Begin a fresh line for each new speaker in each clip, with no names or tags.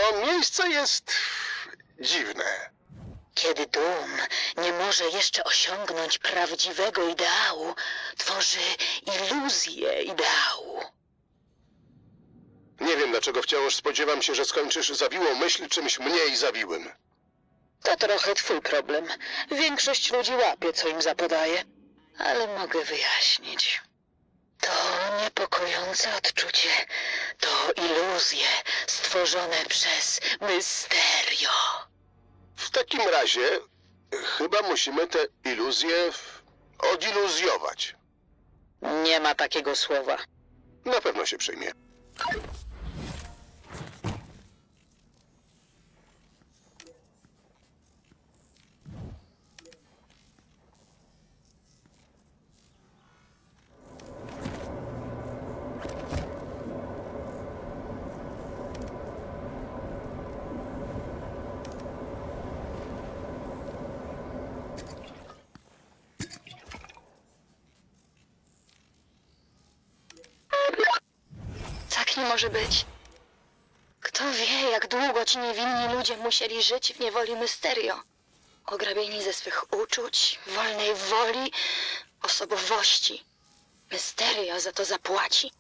To miejsce jest dziwne.
Kiedy dum nie może jeszcze osiągnąć prawdziwego ideału, tworzy iluzję ideału.
Nie wiem, dlaczego wciąż spodziewam się, że skończysz zawiłą myśl czymś mniej zawiłym.
To trochę twój problem. Większość ludzi łapie, co im zapodaje. Ale mogę wyjaśnić. To niepokojące odczucie. To iluzje stworzone przez Mysterio.
W takim razie chyba musimy te iluzje odiluzjować.
Nie ma takiego słowa.
Na pewno się przyjmie.
Tak nie może być. Kto wie, jak długo ci niewinni ludzie musieli żyć w niewoli Mysterio. Ograbieni ze swych uczuć, wolnej woli, osobowości. Mysterio za to zapłaci.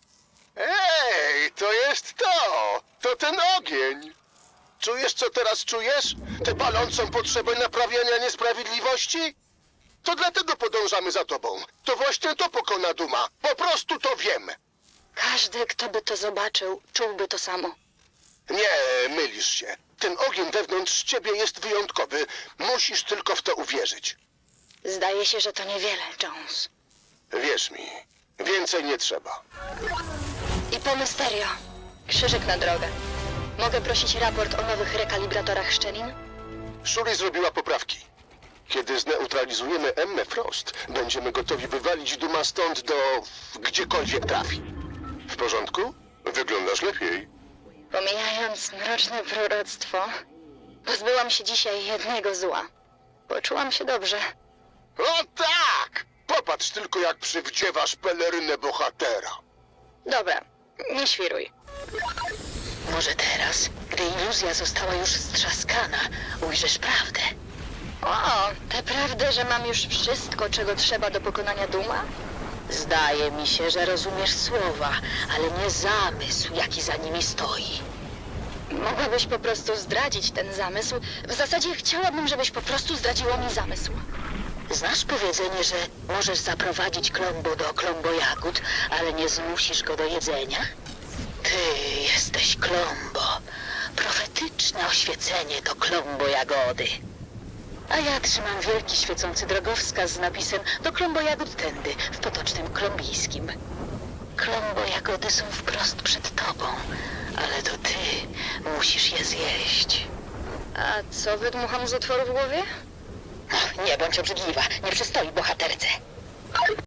Ej, to jest to! To ten ogień! Czujesz, co teraz czujesz? Tę palącą potrzebę naprawiania niesprawiedliwości? To dlatego podążamy za tobą. To właśnie to pokona Duma. Po prostu to wiem.
Każdy, kto by to zobaczył, czułby to samo.
Nie, mylisz się. Ten ogień wewnątrz ciebie jest wyjątkowy. Musisz tylko w to uwierzyć.
Zdaje się, że to niewiele, Jones.
Wierz mi, więcej nie trzeba.
I po Mysterio. Krzyżyk na drogę. Mogę prosić raport o nowych rekalibratorach szczelin?
Shuri zrobiła poprawki. Kiedy zneutralizujemy Emmę Frost, będziemy gotowi wywalić Duma stąd do gdziekolwiek trafi. W porządku? Wyglądasz lepiej.
Pomijając mroczne proroctwo, pozbyłam się dzisiaj jednego zła. Poczułam się dobrze.
O tak! Popatrz tylko, jak przywdziewasz pelerynę bohatera.
Dobra, nie świruj.
Może teraz, gdy iluzja została już strzaskana, ujrzysz prawdę.
O, tę prawdę, że mam już wszystko, czego trzeba do pokonania Duma?
Zdaje mi się, że rozumiesz słowa, ale nie zamysł, jaki za nimi stoi.
Mogłabyś po prostu zdradzić ten zamysł. W zasadzie chciałabym, żebyś po prostu zdradziła mi zamysł.
Znasz powiedzenie, że możesz zaprowadzić Klombo do Klombo jagód, ale nie zmusisz go do jedzenia? Ty jesteś Klombo. Profetyczne oświecenie to Klombo jagody. A ja trzymam wielki świecący drogowskaz z napisem do Klombo jagód tędy, w potocznym klombijskim. Klombo jagody są wprost przed tobą, ale to ty musisz je zjeść.
A co wydmucham z otworu w głowie?
Nie bądź obrzydliwa, nie przystoi bohaterce.